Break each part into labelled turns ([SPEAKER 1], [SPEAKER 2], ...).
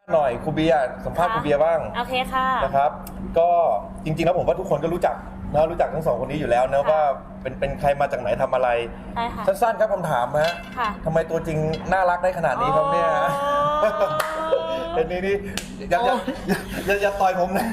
[SPEAKER 1] หน่อยครูเบียร์สัมภาษณ์ครูเบียร์บ้าง
[SPEAKER 2] โอเคค่ะ
[SPEAKER 1] นะครับก็จริงๆแล้วผมว่าทุกคนก็รู้จักนะรู้จักทั้งสองคนนี้อยู่แล้วนะว่าเป็นใครมาจากไหนทำอะไร
[SPEAKER 2] ใช่ค่ะ
[SPEAKER 1] สั้นๆครับคำถามฮะ
[SPEAKER 2] ค่ะ
[SPEAKER 1] ทำไมตัวจริงน่ารักได้ขนาดนี้ครับเนี่ยเป็นนี่อย่าต่อยผมนะ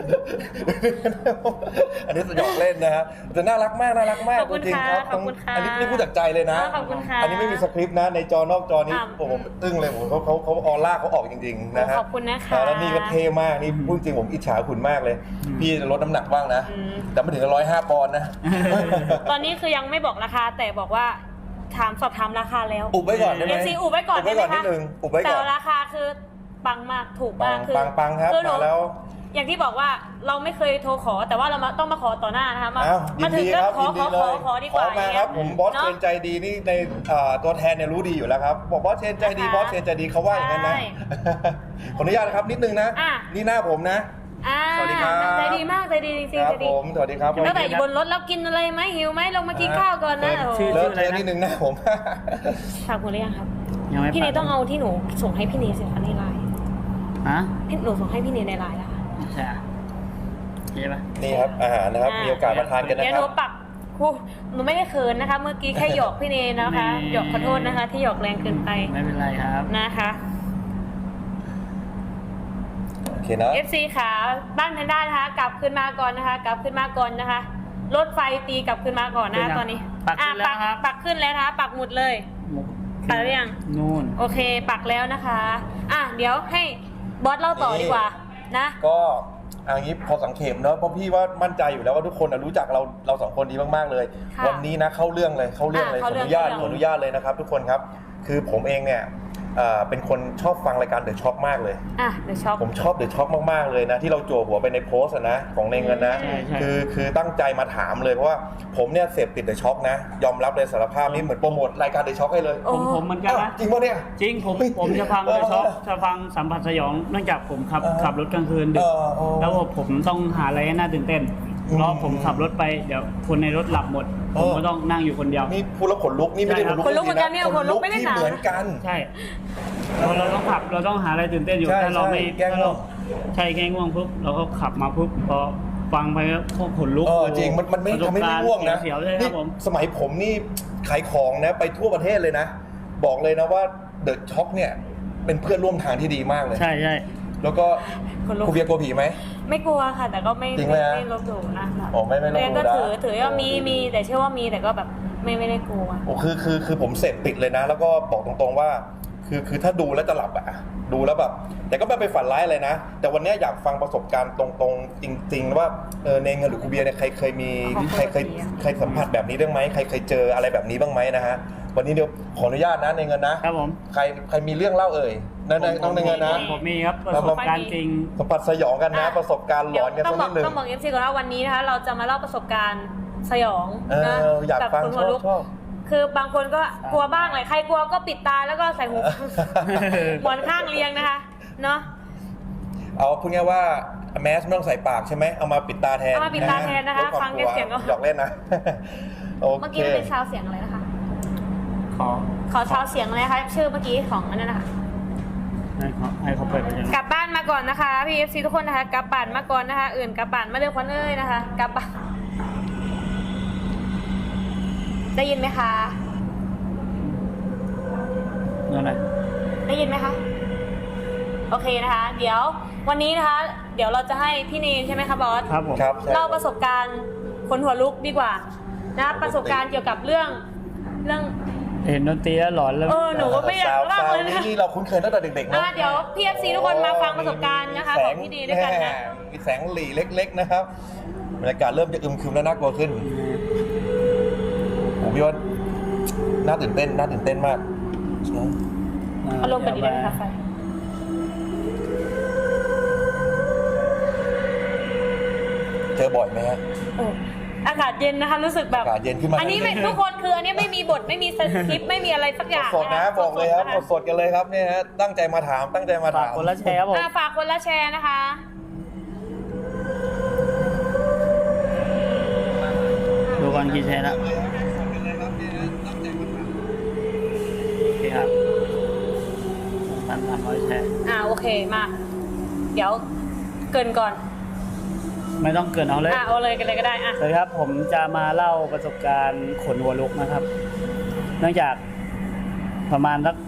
[SPEAKER 1] อันนี้สยองเล่นนะฮะแต่น่ารักมากตัวจริงครับอันนี้พูดจากใจเลยนะอันนี้ไม่มีสคริปต์นะในจอนอกจอนี้ผมอึ้งเลยผมเขาออร่าเขาออกจริงๆนะฮะ
[SPEAKER 2] ขอบคุณนะคะ
[SPEAKER 1] แล้วนี่ก็เท่มากนี่พูดจริงผมอิจฉาคุณมากเลยพี่ลดน้ำหนักบ้างนะแต่ไม่ถึง105 ปอนด์นะ
[SPEAKER 2] ตอนนี้คือยังไม่บอกราคาแต่บอกว่าสอบถามราคาแล้ว
[SPEAKER 1] อุบไว้ก่อนได้ไหม
[SPEAKER 2] FC อุบไว้ก่อนได้ไหมคะ
[SPEAKER 1] นิดนึงอุบไว้ก่อน
[SPEAKER 2] แต่ราคาคือปังมากถูกมากคือ
[SPEAKER 1] ปังครับมาแล้ว
[SPEAKER 2] อย่างที่บอกว่าเราไม่เคยโทรขอแต่ว่าเราต้องมาขอต่อหน้านะคะมาถึงก็ขอดีกว่า
[SPEAKER 1] มาครับผมบอสเชนใจดีนี่ในตัวแทนเนี่ยรู้ดีอยู่แล้วครับบอกบอสเชนใจดีบอสเชนใจดีเขาว่าอย่างนั้นนะขออนุญาตนะครับนิดนึงนะนี่หน้าผมนะสวัสดีครับ
[SPEAKER 2] ใจดีมากใจดีจริงๆ
[SPEAKER 1] ครับผมสวัสดีครับ
[SPEAKER 2] ตั้งแต่อยู่บนรถแล้วกินอะไรไหมหิวไหมลงมากินข้าวก่อนนะ
[SPEAKER 1] เลิกเทนิดนึงนะผม
[SPEAKER 2] ฝากคุณหรือยังครับพี่เนยต้องเอาที่หนูส่งให้พี่เนยสิคะในไลน์พี่หนูส่งให้พี่เนยในไลน์แล้วค่ะ
[SPEAKER 3] ใช่ใช่ปะ
[SPEAKER 1] นี่ครับอาหารนะครับมีโอกาสมาทานกันนะครับ
[SPEAKER 2] เดี๋ยวหนูปักหนูไม่ได้เขินนะคะเมื่อกี้แค่หยอกพี่เนยนะคะหยอกขอโทษนะคะที่หยอกแรงเกินไป
[SPEAKER 3] ไม่เป็นไรครับ
[SPEAKER 2] นะคะ
[SPEAKER 1] โอเคนะ
[SPEAKER 2] FC ขาบ้านแพนด้านะคะกลับขึ้นมาก่อนนะคะกลับขึ้นมาก่อนนะคะรถไฟตีกลับขึ้นมาก่อนนะคะตอนนี้
[SPEAKER 3] ปักขึ้นแล้วครับ
[SPEAKER 2] ปักขึ้นแล้วนะคะปักหมุดเลยปักหรือยัง
[SPEAKER 3] นู่น
[SPEAKER 2] โอเคปักแล้วนะคะเดี๋ยวให้บอสเล่าต่อดีกว่านะ
[SPEAKER 1] ก็อย่างนี้พอสังเกตเนอะเพราะพี่ว่ามั่นใจอยู่แล้วว่าทุกคนรู้จักเราสองคนดีมากๆเลยวันนี้นะเข้าเรื่องเลยขออนุญาตเลยนะครับทุกคนครับคือผมเองเนี่ยเป็นคนชอบฟังรายการเดอะช็อคมากเลย
[SPEAKER 2] เดอะช็อค
[SPEAKER 1] ผมชอบเดอะช็อคมากๆเลยนะที่เราจั่วหัวไปในโพสต์นะของในเงินนะคือตั้งใจมาถามเลยเพราะว่าผมเนี่ยเสพติดเดอะช็อคนะยอมรับเลยสารภาพนี่เหมือนโปรโมทรายการเดอะช็อคให้เลย
[SPEAKER 3] ผมเหมือนกันนะ
[SPEAKER 1] จริงป่ะเนี่ย
[SPEAKER 3] จริงผมจะฟังเดอะช็อคจะฟังสัมผัสสยองเนื่องจากผมขับรถกลางคืนดึกแล้วผมต้องหาอะไรให้น่าตื่นเต้นเพราะผมขับรถไปเดี๋ยวคนในรถหลับหมดผมก็ต้องนั่งอยู่คนเดียว
[SPEAKER 1] นี่พูดแล้วขนลุกนี่ไม่ได้
[SPEAKER 2] ขนลุกเหมือนกันเนี่ยขนลุกไม่ได้
[SPEAKER 1] ที่เหมือนกัน
[SPEAKER 3] ใช่เราต้องขับเราต้องหาอะไรตื่นเต้นอยู่ถ้าเราไม่
[SPEAKER 1] แกล้งง่วง
[SPEAKER 3] ใช่แกล้งง่วงปุ๊บเราก็ขับมาปุ๊บพอฟังไปก็ขนลุก
[SPEAKER 1] จริงมันไม่ทำให้ไม่ง่วงนะนี่สมัยผมนี่ขายของนะไปทั่วประเทศเลยนะบอกเลยนะว่าเดอะช็อคเนี่ยเป็นเพื่อนร่วมทางที่ดีมากเลย
[SPEAKER 3] ใช่แล้ว
[SPEAKER 1] ก็ครูเบียร์กลัวผีไหม
[SPEAKER 2] ไม่กลัวค่ะแต่ก็ไม่ลบหลู่นะ
[SPEAKER 1] ไม่ลบหลู่
[SPEAKER 2] ก็ถือว่ามีแต่เชื่อว่ามีแต่ก็แบบไม่ได้กลัว
[SPEAKER 1] คือผมเสพติดเลยนะแล้วก็บอกตรงๆว่าคือถ้าดูแล้วจะหลับดูแล้วแบบแต่ก็ไม่ไปฝันร้ายอะไรนะแต่วันนี้อยากฟังประสบการณ์ตรงๆจริงๆว่าในเงินหรือครูเบียร์เนี่ยใครเคยสัมผัสแบบนี้บ้างไหมใครเคยเจออะไรแบบนี้บ้างไหมนะฮะวันนี้เดี๋ยวขออนุญาตนะในเงินนะครับ
[SPEAKER 3] ผม
[SPEAKER 1] ใครมีเรื่องเล่าน้องในเงินนะ
[SPEAKER 3] ผมมีครับประสบการณ์จริง
[SPEAKER 1] สัมผัสสยองกันนะประสบการณ์หลอนกันสักนิดนึง
[SPEAKER 2] ต้องบอก FC ก่อนว่าวันนี้นะคะเราจะมาเล่าประสบการณ์สยองนะ
[SPEAKER 1] อยากฟังชอบ
[SPEAKER 2] คือบางคนก็กลัวบ้างเลยใครกลัวก็ปิดตาแล้วก็ใส่หูหมอนข้างเรียงนะคะเนาะ
[SPEAKER 1] เอาพูดง่ายว่าแมสไม่ต้องใส่ปากใช่ไหมเอามาปิดตาแทน
[SPEAKER 2] นะคะฟังแค่เสียงก็
[SPEAKER 1] หยอกเล่นนะ
[SPEAKER 2] เมื่อกี้เป็นชาวเสียงอะไรนะคะขอชาวเสียงอะไรคะชื่อเมื่อกี้ของอันนั้นนะคะ
[SPEAKER 3] ให้เขาเปิด
[SPEAKER 2] กลับบ้านมาก่อนนะคะพี่ FC ทุกคนนะคะกลับบ้านมาก่อนนะคะอื่นกลับบ้านมาเร็วควันเอ้ยนะคะกลับบ้านได้ยินไหมคะ
[SPEAKER 3] อะไร
[SPEAKER 2] ได้ยินไหมคะโอเคนะคะเดี๋ยววันนี้นะคะเดี๋ยวเราจะให้พี่เนยใช่ไหมคะบอส
[SPEAKER 3] ครับผม
[SPEAKER 2] เล่าประสบการณ์คนหัวลุกดีกว่านะประสบการณ์เกี่ยวกับเรื่อง
[SPEAKER 3] เห็นดนตรีแล้วหลอนแล้ว
[SPEAKER 2] หนูก็ไม่อยากเล่าเลย
[SPEAKER 1] นี่เราคุ้นเคยตั้งแต่เด็กๆนะ
[SPEAKER 2] เดี๋ยวพี่ FC ทุกคนมาฟังประสบการณ์นะคะของพี่เนยด้วยกันนะ
[SPEAKER 1] มีแสงหลีเล็กๆนะครับบรรยากาศเริ่มจะอึมครึมและน่ากลัวขึ้นผมว่าน่าตื่นเต้นมาก
[SPEAKER 2] อารมณ์เป็นดีเลยค่ะไฟ
[SPEAKER 1] เจอบ่อยไหมฮะ
[SPEAKER 2] อากาศเย็นนะคะรู้สึกแบบ
[SPEAKER 1] อากาศเย็นขึ้นมา
[SPEAKER 2] อันนี้ทุกคนคืออันนี้ไม่มีบทไม่มีสคริปต์ไม่มีอะไรสักอย่าง
[SPEAKER 1] สดนะบอกเลยครับสดกันเลยครับเนี่ยฮะตั้งใจมาถาม
[SPEAKER 3] ฝากคนละแชร์ผม
[SPEAKER 2] ฝากคนละแชร์นะคะ
[SPEAKER 3] ดูก่อนกี่แชร์แล้วโอเคครับ 300แชร์
[SPEAKER 2] โอเคมาเดี๋ยวเกรินก่อน
[SPEAKER 3] ไม่ต้องเกินเอาเลย
[SPEAKER 2] เอาเลยกันเลยก็ได้
[SPEAKER 3] สวัสดีครับผมจะมาเล่าประสบการณ์ขนหัวลุกนะครับ เนื่องจากประมาณสัก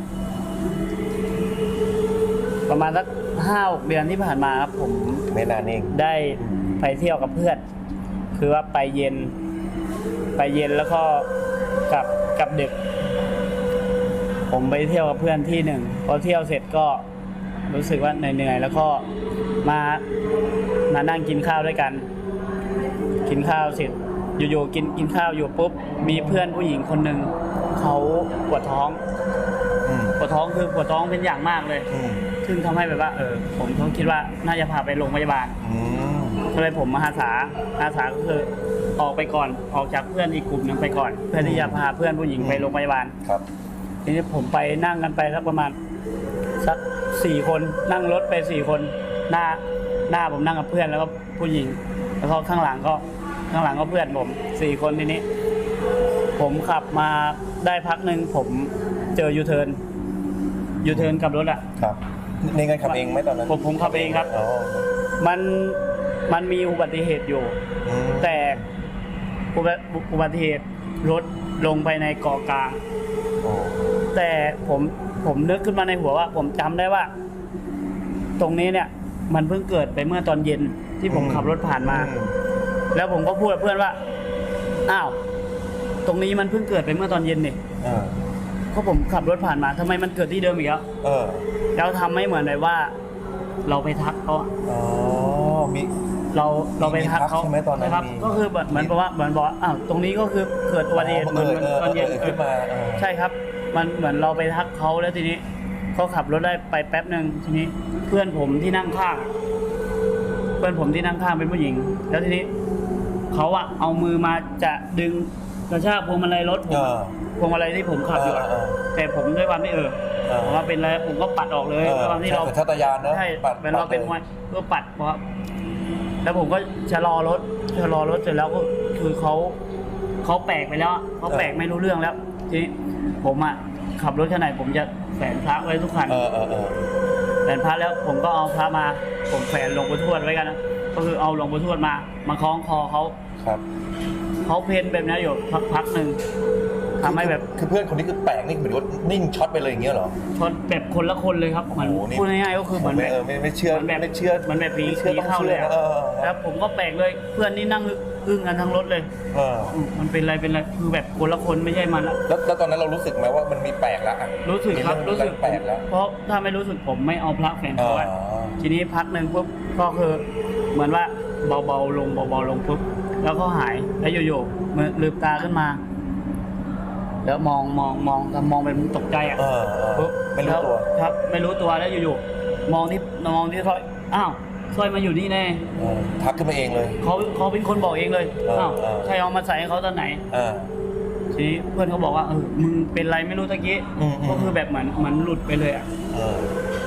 [SPEAKER 3] 5-6 เดือนที่ผ่านมาครับผม
[SPEAKER 1] ไม่นานเอง
[SPEAKER 3] ได้ไปเที่ยวกับเพื่อน คือว่าไปเย็นแล้วก็กลับดึก ผมไปเที่ยวกับเพื่อนที่หนึ่งพอเที่ยวเสร็จก็รู้สึกว่าเหนื่อยๆแล้วก็มานั่งกินข้าวด้วยกัน กินข้าวเสร็จอยู่ๆกินข้าวอยู่ปุ๊บมีเพื่อนผู้หญิงคนหนึ่งเขาปวดท้องคือปวดท้องเป็นอย่างมากเลยซึ่งทำให้แบบว่าผมก็คิดว่าน่าจะพาไปโรงพยาบาลก็เลยผมมาอาสาก็คือออกไปก่อนออกจากเพื่อนอีกกลุ่มนึงไปก่อนเพื่อที่จะพาเพื่อนผู้หญิงไปโรงพยาบาล
[SPEAKER 1] ครับ
[SPEAKER 3] ทีนี้ผมไปนั่งกันไปสักประมาณสัก4 คนนั่งรถไป4 คนหน้าผมนั่งกับเพื่อนแล้วก็ผู้หญิงแล้วก็ข้างหลังก็เพื่อนผม4 คนทีนี้ผมขับมาได้พักหนึ่งผมเจอยูเทิร์นกับรถ
[SPEAKER 1] ครับในเงินขับเองไหมตอนนั้น
[SPEAKER 3] ผมขับเองครับมันมีอุบัติเหตุอยู่แต่อุบัติเหตุรถลงไปในเกาะกลางแต่ผมนึกขึ้นมาในหัวว่าผมจำได้ว่าตรงนี้เนี่ยมันเพิ่งเกิดไปเมื่อตอนเย็นที่ผมขับรถผ่านมาแล้วผมก็พูดกับเพื่อนว่าอ้าวตรงนี้มันเพิ่งเกิดไปเมื่อตอนเย็นนี่ก็ผมขับรถผ่านมาทำไมมันเกิดที่เดิมอีกแล้วทำไม่เหมือนเลยว่าเราไปทักเขา
[SPEAKER 1] มี
[SPEAKER 3] เราไปทักเขา
[SPEAKER 1] ใช่ไหมตอนนั้น
[SPEAKER 3] ก็คือเหมือนบอกว่าอ้าวตรงนี้ก็คือเกิดอุบัติเหตุเหมือนตอนเย็น
[SPEAKER 1] ขึ้นมา
[SPEAKER 3] ใช่ครับมันเหมือนเราไปทักเขาแล้วทีนี้เขาขับรถได้ไปแป๊บนึงทีนี้เพื่อนผมที่นั่งข้างเป็นผู้หญิงแล้วทีนี้เขาเอามือมาจะดึงกระชากพวงมาลัยรถผมพวงมาลัยที่ผมขับอยู่แต่ผมด้วยความที่ผมว่าเป็นอะไรผมก็ปัดออกเลยด้วยความที่เรา
[SPEAKER 1] ชาตยานนะ
[SPEAKER 3] ใช่เป็นเราเป็นมวยก็ปัดเพราะแล้วผมก็ชะลอรถเสร็จแล้วก็คือเขาแปลกไปแล้วเขาแปลกไม่รู้เรื่องแล้วทีนี้ผมขับรถขนาดผมจะแฝงพระไว้ทุกคันแฝงพระแล้วผมก็เอาพระมาผมแฝงหลวงปู่ทวดไว้กันนะก็คือเอาหลวงปู่ทวดมาคล้องคอเขาเขาเพ้นแบบนี้อยู่พักหนึ่งทำให้แบบ
[SPEAKER 1] คือเพื่อนคนนี้คือแปลกนี่เหมือนว่านิ่งช็อตไปเลยอย่างเงี้ยเหรอ
[SPEAKER 3] ช็อตแบบคนละคนเลยครับเหมือนพูดง่ายๆก็คือเหมือนแบบ
[SPEAKER 1] ไม่เชื่อ
[SPEAKER 3] มันแบบผีเข้าเลยแล้วผมก็แปลกเลยเพื่อนนี่นั่งอึ้งกันทั้งรถเลยมันเป็นอะไรคือแบบคนละคนไม่ใช่มัน
[SPEAKER 1] แล้วตอนนั้นเรารู้สึกไหมว่ามันมีแปลกแล้ว
[SPEAKER 3] รู้สึกครับรู้สึก
[SPEAKER 1] แปลกแล้ว
[SPEAKER 3] เพราะถ้าไม่รู้สึกผมไม่เอาพระแฝงคอทีนี้พักหนึ่งปุ๊บก็คือเหมือนว่าเบาๆลงปุ๊บแล้วก็หายแล้วอยู่ๆมือลืมตาขึ้นมาแล้วมองเป็นตกใจ
[SPEAKER 1] ปุ๊บไม่รู้ตัว
[SPEAKER 3] ครับไม่รู้ตัวแล้วอยู่ๆมองที่สร้อยอ้าวสร้อยมาอยู่นี่แน่
[SPEAKER 1] ทักขึ้นมาเองเลย
[SPEAKER 3] เขาเป็นคนบอกเองเลยอ้าวใครเอามาใส่ให้เขาตอนไหนทีนี้เพื่อนเขาบอกว่ามึงเป็นไรไม่รู้ตะกี้ก็คือแบบเหมือนหลุดไปเลย